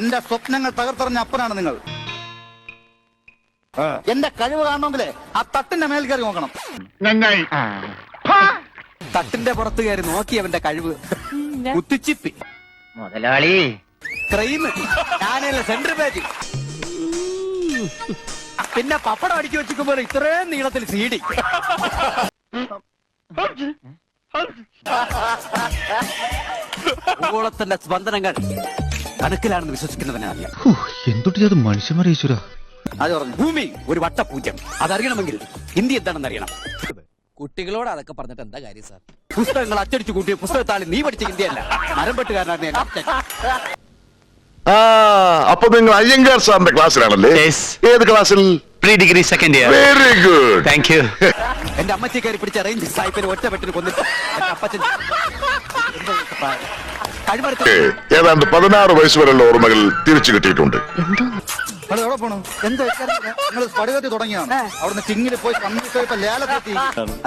എന്റെ സ്വപ്നങ്ങൾ തകർത്തെറിഞ്ഞ അപ്പനാണ് നിങ്ങൾ. എന്റെ കഴിവ് കാണണമെങ്കിലേ ആ തട്ടിന്റെ മേൽ കയറി നോക്കണം. നന്നായി. തട്ടിന്റെ പുറത്ത് കയറി നോക്കി അവന്റെ കഴിവ്. കുത്തിച്ചിപ്പി മുതലാളി, ക്രൈം, ഞാനല്ല സെൻട്രൽ പേജ്, പിന്നെ പപ്പടം അടിച്ചു വെച്ചിരിക്കുമ്പോൾ ഇത്രയും നീളത്തിൽ സീഡി. ഭൂഗോളത്തിന്റെ സ്പന്ദനങ്ങൾ കണക്കിലാണെന്ന് വിശ്വസിക്കുന്നവനാണ്. എന്തൊട്ട് അത് മനുഷ്യന്മാരെ ഈശ്വര. അത് പറഞ്ഞു ഭൂമി ഒരു വട്ടപൂജ്യം. അതറിയണമെങ്കിൽ ഇന്ത്യ എന്താണെന്ന് അറിയണം. കുട്ടികളോട് അതൊക്കെ പറഞ്ഞിട്ട് എന്താ കാര്യം സാർ? പുസ്തകങ്ങൾ അച്ചടിച്ചു കൂട്ടിയ പുസ്തകത്താളി നീ പഠിച്ച ഇന്ത്യയല്ല, മരംപെട്ടുകാരനാണ് എന്റെ അച്ഛൻ. അപ്പൊ നിങ്ങൾ അയ്യങ്കാർ സാറിന്റെ ക്ലാസ്സിലാണല്ലേ? ഏത് ക്ലാസ്സിൽ? Pre degree second year. Very good, thank you. എന്റെ അമ്മച്ചി കയറി പിടിച്ച റേഞ്ച് സായിപ്പിന് ഒറ്റപ്പെട്ടിന് കൊന്നിട്ട് എന്റെ അപ്പച്ചൻ കഴിവെടുത്ത ഏതാണ്ട് 16 വയസ്സ് വരെയുള്ള ഓർമ്മകൾ തിരിച്ചു കിട്ടിയിട്ടുണ്ട്. എവിടെ പോണു? എന്താ നിങ്ങൾ സ്പടികത്തി തുടങ്ങിയാണ്? അവിടുന്ന് ചിങ്ങിൽ പോയി കമ്മിട്ട് ലേലത്തെത്തി.